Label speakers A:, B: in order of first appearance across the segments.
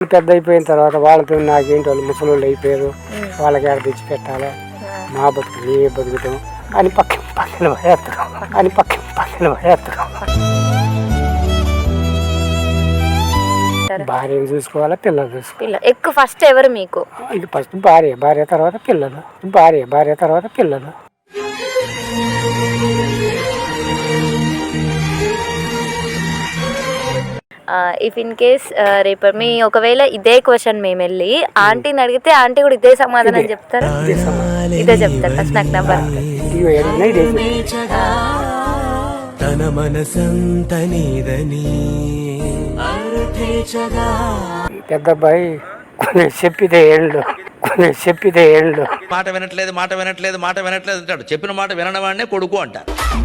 A: పెద్ద అయిపోయిన తర్వాత వాళ్ళతో నాకేంటి వాళ్ళు ముసలోళ్ళు అయిపోయారు, వాళ్ళకి ఆడ తెచ్చి పెట్టాలి, మా బతుకు నీ బతుకుతాం అని పక్కన పడేస్తారు. భార్యను చూసుకోవాలా, పిల్లలు చూసుకోవాలి.
B: ఎక్కువ ఫస్ట్ ఎవరు మీకు?
A: ఇది ఫస్ట్ భార్య తర్వాత పిల్లలు, భార్య తర్వాత పిల్లలు.
B: ఇఫ్ ఇన్ కేస్ రేపు మీ ఒకవేళ ఇదే క్వశ్చన్ మేము వెళ్ళి ఆంటీని అడిగితే ఆంటీ కూడా ఇదే సమాధానం చెప్తారా? ఇదే చెప్తారు. ఫస్ట్ నాకు నెంబర్
C: తన మనసంత నీదని
A: పెద్ద అబ్బాయి చెప్పితే ఏళ్ళు
D: మాట వినట్లేదు అంటాడు. చెప్పిన మాట వినడం వాడినే కొడుకు అంటారు.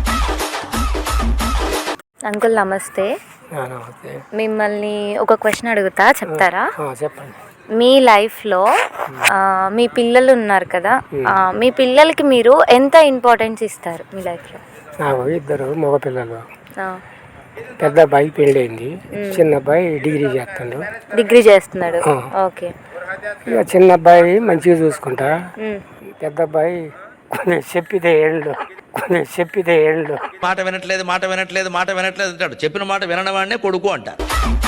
B: అంకుల్ నమస్తే. మిమ్మల్ని ఒక క్వశ్చన్ అడుగుతా, చెప్తారా?
A: చెప్పండి.
B: మీ లైఫ్లో మీ పిల్లలు ఉన్నారు కదా, మీ పిల్లలకి మీరు ఎంత ఇంపార్టెన్స్ ఇస్తారు మీ లైఫ్లో?
A: నాకు 2 మగ పిల్లలు. పెద్ద అబ్బాయి పెళ్ళైంది, చిన్న అబ్బాయి డిగ్రీ చేస్తున్నాడు.
B: ఓకే.
A: ఇక చిన్న అబ్బాయి మంచిగా చూసుకుంటా, పెద్ద అబ్బాయి చెప్పితే ఏళ్ళు
D: మాట వినట్లేదు అంటాడు. చెప్పిన మాట వినడం వాడినే కొడుకు అంటారు.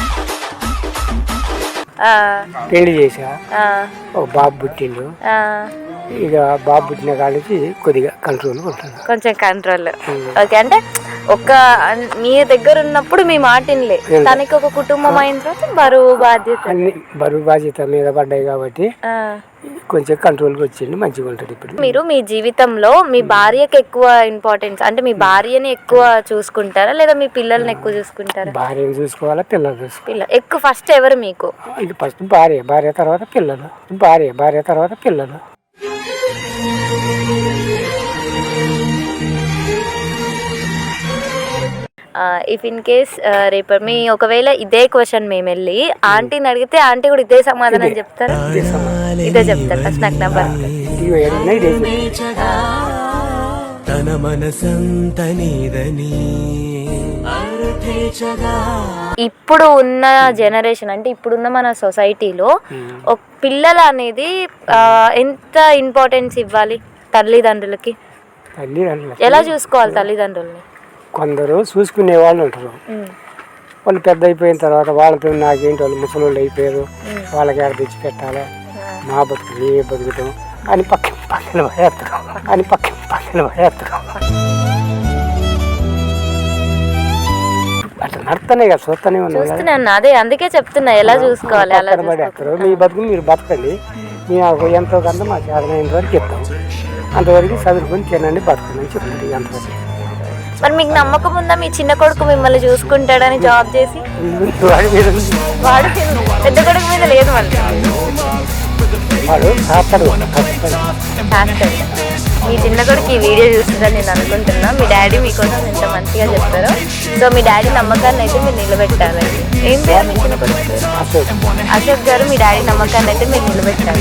A: పెళ్లి చేసా, ఒక బాబు పుట్టిండు. ఇక బాబు పుట్టిన కాడికి కొద్దిగా కంట్రోల్ ఉంటుంది,
B: కొంచెం కంట్రోల్. ఓకే. అంటే ఒక మీ దగ్గర ఉన్నప్పుడు మీ మాట వినలే, తనకి ఒక కుటుంబం అయిన తర్వాత బరువు బాధ్యత మీద పడ్డాయి కాబట్టి కొంచెం కంట్రోల్కి వచ్చింది, మంచిగా ఉంటుంది. ఇప్పుడు మీరు మీ జీవితంలో మీ భార్యకి ఎక్కువ ఇంపార్టెన్స్, అంటే మీ భార్యని ఎక్కువ చూసుకుంటారా లేదా మీ పిల్లల్ని ఎక్కువ చూసుకుంటారా?
A: భార్యను చూసుకోవాలా, పిల్లలు చూసుకోవాలి.
B: ఎక్కువ ఫస్ట్ ఎవరు మీకు?
A: ఇది ఫస్ట్ భార్య తర్వాత పిల్లలు, భార్య తర్వాత పిల్లలు.
B: ఇఫ్ ఇన్ కేస్ రేపు మీ ఒకవేళ ఇదే క్వశ్చన్ మేము వెళ్ళి ఆంటీని అడిగితే ఆంటీ కూడా ఇదే సమాధానం చెప్తారా? ఇదే చెప్తారు. ఫస్ట్ నాకు నెంబర్
C: తన మనసంత నీదని.
B: ఇప్పుడు ఉన్న జనరేషన్, అంటే ఇప్పుడున్న మన సొసైటీలో ఒక పిల్లలు అనేది ఎంత ఇంపార్టెన్స్ ఇవ్వాలి తల్లిదండ్రులకి? ఎలా చూసుకోవాలి తల్లిదండ్రుల్ని?
A: కొందరు చూసుకునే వాళ్ళు ఉంటారు, వాళ్ళు పెద్ద అయిపోయిన తర్వాత వాళ్ళతో నాకేంటి వాళ్ళు ముసలోళ్ళు అయిపోయారు, వాళ్ళకి ఆడ తెచ్చి పెట్టాలి, మా బతుకు నీ బతుకుతాం అని పక్కన పడేస్తారు. అట్లా నడుతున్నాయి కదా, చూస్తూనే
B: ఉన్నాను. అదే అందుకే చెప్తున్నా ఎలా చూసుకోవాలి. అలా
A: పడేస్తారు. మీ బతుకు మీరు బతకండి, మేము ఎంతో కొంత మా చేతనైన వరకు చెప్తాం, అంతవరకు చదువుకొని తినండి, బతకండి చెప్తుంది. అంతవరకు
B: మరి మీకు నమ్మకం ఉందా మీ చిన్న కొడుకు మిమ్మల్ని చూసుకుంటాడని జాబ్ చేసి? వాడు పెద్ద కొడుకు మీద లేదు, మళ్ళీ మీ చిన్న కొడుకు ఈ వీడియో చూస్తుందని నేను అనుకుంటున్నా. మీ డాడీ మీకోసం ఎంత మంచిగా చెప్తారో, సో మీ డాడీ నమ్మకాన్ని అయితే మీరు నిలబెట్టాలి. ఏం పేరు మీ చిన్న కొడుకు? అశోక్ గారు. మీ డాడీ నమ్మకాన్ని అయితే మీరు నిలబెట్టాలి.